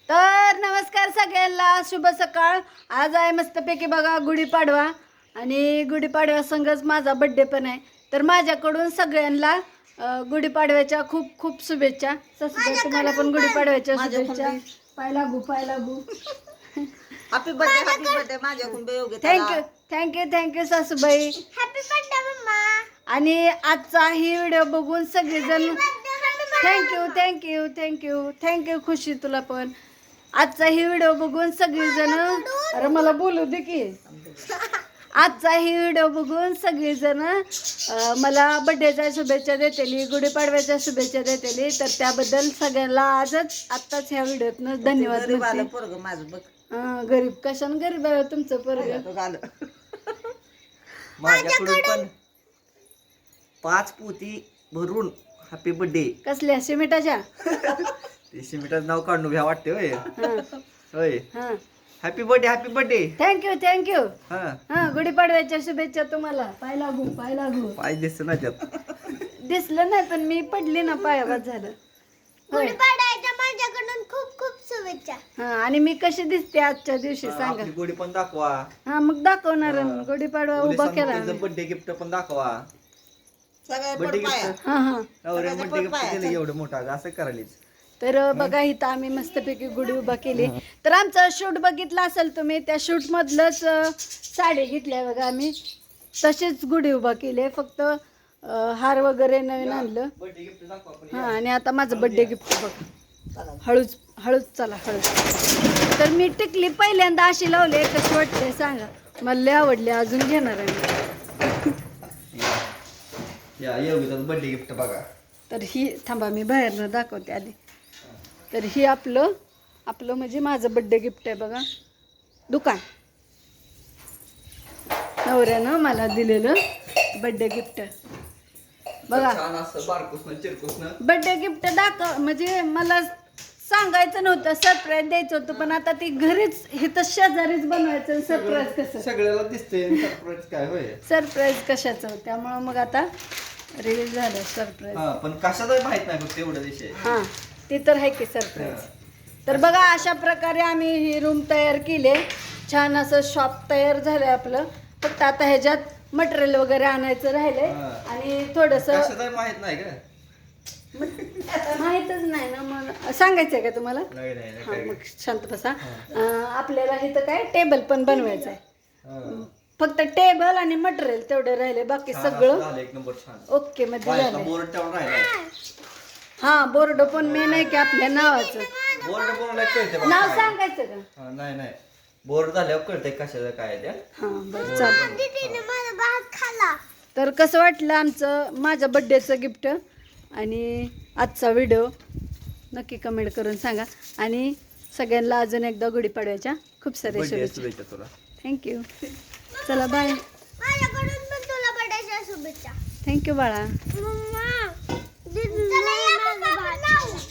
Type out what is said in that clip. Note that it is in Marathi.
तर नमस्कार सगळ्यांना, शुभ सकाळ। आज आहे मस्तपैकी बघा गुढीपाडवा आणि गुढीपाडव्या संगच माझा बर्थडे पण आहे। तर माझ्याकडून सगळ्यांना गुढीपाडव्याच्या खूप खूप शुभेच्छा। सासूबाई तुम्हाला पण गुढीपाडव्याच्या शुभेच्छा। पाय लागू हॅपी बर्थडे माझ्याकडून बेयोग्य थँक्यू सासूबाई, हॅपी बर्थडे मम्मा। आणि आजचा ही व्हिडिओ बघून सगळेजण थँक्यू खुशी, तुला पण आजचा ही व्हिडिओ बघून सगळेजण, अरे मला बोलू दे की, आजचा ही व्हिडिओ बघून सगळेजण मला बर्थडेच्या शुभेच्छा देतेली, गुढीपाडव्याच्या शुभेच्छा देतेली। तर त्याबद्दल सगळ्यांना आत्ताच ह्या व्हिडिओतनं धन्यवाद देते। माझं बघ गरीब कशानं गरीब आहे तुमचं पोरगं? माझ्याकडून पण 5 पोती भरून हॅपी बर्थडे। कसल्या सिमेंटाच्या? ते सिमेंटाचं नाव काढून घ्या वाटते होय होय। हां हॅपी बर्थडे थँक्यू हा गुढीपाडव्याच्या शुभेच्छा तुम्हाला। पाय लागू पाय दिसत ना त्यात दिसलं नाही पण मी पडली ना, पायावर झालं। गुढीपाडव्याच्या माझ्याकडून खूप खूप शुभेच्छा। हा, आणि मी कशी दिसते आजच्या दिवशी सांगा? आपली गोडी पण दाखवा, हा मग दाखवणार ना, गुढीपाडवा उभा केला आम्ही। बर्थडे गिफ्ट पण दाखवा, बर्थडे गिफ्ट हा बर्थडे गिफ्ट दिलं एवढं मोठं असं करायलीच। तर बघा इथं आम्ही मस्तपैकी गुढी उभा केली। तर आमचं शूट बघितलं असेल तुम्ही, त्या शूट मधलंच साडी घेतल्या बघा आम्ही, तशीच गुढी उभा केली, फक्त हार वगैरे नवीन आणलं। बर्थडे गिफ्ट दाखवा आपण। हा, आणि आता माझं बर्थडे गिफ्ट बघा, हळूच चला हळूच। तर मी टिकली पहिल्यांदा अशी लावली, कशी वाटते सांगा? मला लय आवडली, अजून घेणार आहे मी। या योगिताचं बर्थडे गिफ्ट बघा। तर ही थांबा, मी बाहेरनं दाखवते आधी। तर ही आपलं म्हणजे माझं बर्थडे गिफ्ट आहे बघा, दुकान नवऱ्यानं मला दिलेलं बर्थडे गिफ्ट बघा। छान असं बारकुसनं चिरकुसनं बर्थडे गिफ्ट म्हणजे मला सांगायचं नव्हतं, सरप्राईज द्यायचं होतं, पण आता ती घरीच इथं शेजारीच बनवायचं। सरप्राईज कसं सगळ्याला दिसते सरप्राईज काय होय? सरप्राईज कशाचं? त्यामुळं मग आता रिलीज झालं सरप्राईज। हा, पण कशाचा माहित नाही फक्त एवढा विषय। हां ते तर आहे की सरप्राईज। तर बघा अशा प्रकारे आम्ही ही रूम तयार केली, छान असं शॉप तयार झालंय आपलं। फक्त आता ह्याच्यात मटेरियल वगैरे आणायचं राहिलंय आणि थोडंसं कशाचा माहित नाही का? माहीतच नाही ना, मग सांगायचंय का तुम्हाला? नाही हां मग शांत बसा। आपल्याला इथं काय टेबल पण बनवायचं आहे, फक्त टेबल आणि मटेरियल तेवढे राहिले, बाकी सगळं झालं एक नंबर छान। ओके मध्ये झालंय। बोर्ड तेवढं राहिला, हा बोर्ड पण मेन आहे की आपल्या नावाचं बोर्ड बोर्डला कळते नाव सांगायचं का? नाही बोर्ड झाल्यावर कळतंय कशाचं काय आहे त्या। हां बरं चालेल। दीदीने माझा भात खाल्ला। तर कसं वाटलं आमचं माझ्या बड्डेचं गिफ्ट आणि आजचा व्हिडिओ नक्की कमेंट करून सांगा, आणि सगळ्यांना अजून एकदा गुढीपाडव्याच्या खूप साऱ्या शुभेच्छा। तुला थँक्यू, चला बाय। माझ्याकडून पण तुला बर्थडेच्या शुभेच्छा। थँक्यू बाळा। मम्मा, दीदीने माझा भात खाल्ला।